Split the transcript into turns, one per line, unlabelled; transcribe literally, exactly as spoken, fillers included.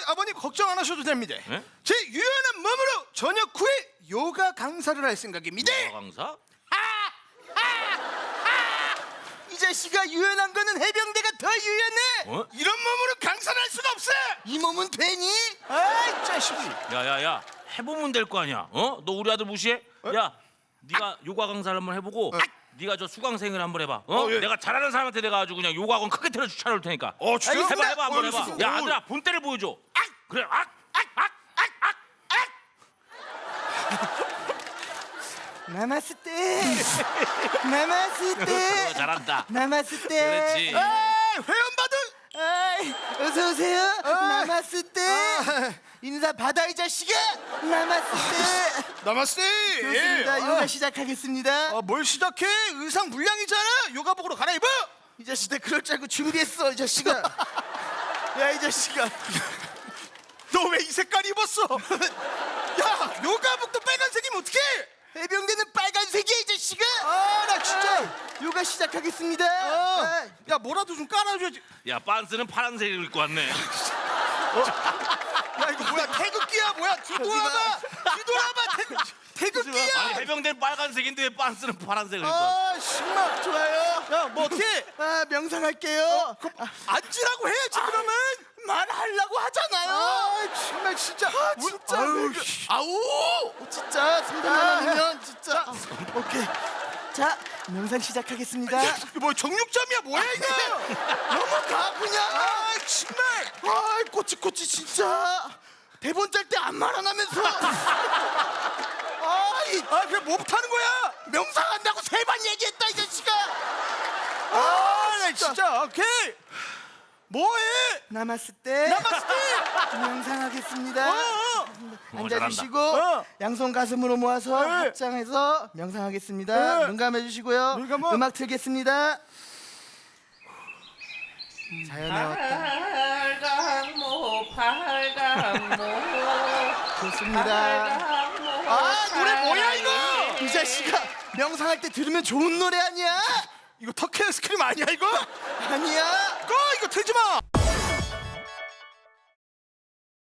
아버님 걱정 안 하셔도 됩니다.
네?
제 유연한 몸으로 저녁 후에 요가 강사를 할 생각입니다.
요가 강사?
이 자식아, 유연한 거는 해병대가 더 유연해.
어?
이런 몸으로 강사를 할 수가 없어. 이 몸은 되니? 아이 자식이.
야야야, 해보면 될 거 아니야. 어? 너 우리 아들 무시해? 야, 네가 요가 강사를 한번 해보고 네가 저 수강생을 한번 해봐. 어?
어, 예.
내가 잘하는 사람한테 내가 아주 그냥 요가 학원 크게 틀어 차려올 테니까.
어, 진짜?
해봐 해봐 한번
어,
해봐.
알겠습니다.
야
어.
아들아, 본때를 보여줘. 악! 그래, 악! 악! 악! 악! 악! 악!
나마스테 나마스테
어, 잘한다.
나마스테
그렇지.
아, 회원받은.
아이, 어서 오세요. 나마스테
아.
인사 받아 이 자식아. 나마스테
나마스테.
좋습니다.
예.
요가
아,
시작하겠습니다.
아, 뭘 시작해? 의상 물량이잖아. 요가복으로 갈아입어.
이 자식들 그럴 줄 알고 준비했어 이 자식아. 야 이 자식아.
너 왜 이 색깔 입었어? 야, 요가복도 빨간색이면 어떡해?
해병대는 빨간색이야 이 자식아.
아, 나 진짜.
아, 요가 시작하겠습니다.
아,
아,
야, 뭐라도 좀 깔아줘야지.
야, 빤스는 파란색을 입고 왔네.
야, 이거 뭐야? 태극기야 뭐야? 뒤돌아봐. 뒤돌아봐. 태극, 태극기야.
아니, 해병대는 빨간색인데 왜 빤스는 파란색을 입고 왔어?
아, 신나.
좋아요.
야, 뭐 어떻게?
아 명상할게요.
앉으라고 해야지 그러면.
말하려고 하잖아요.
아, 정말 진짜.
아, 진짜.
아유,
왜 그-
씨.
아우 진짜 삼백만
아.
원이면 진짜. 오케이. 자 명상 시작하겠습니다.
야, 이거 뭐 정육점이야 뭐야 이거?
넘어가 그냥.
아, 정말.
아 꼬치꼬치 진짜. 대본 짤 때 안 말아나면서. 아이
아, 그냥 뭐 못하는 거야?
명상한다고 세 번 얘기했다 이 자식아.
아, 나 진짜. 오케이. 뭐해?
나마스테.
나마스테.
명상하겠습니다.
어, 어.
앉아주시고
어.
양손 가슴으로 모아서
네.
합장해서 명상하겠습니다.
네.
눈 감아주시고요.
눈 감아.
음악 틀겠습니다. 자연의 어떤
팔강모 팔강모
좋습니다.
팔강모
아, 노래 뭐야 이거?
이 자식아 명상할 때 들으면 좋은 노래 아니야?
이거 터키 스크림 아니야 이거?
아니야.
꺼, 이거 틀지 마.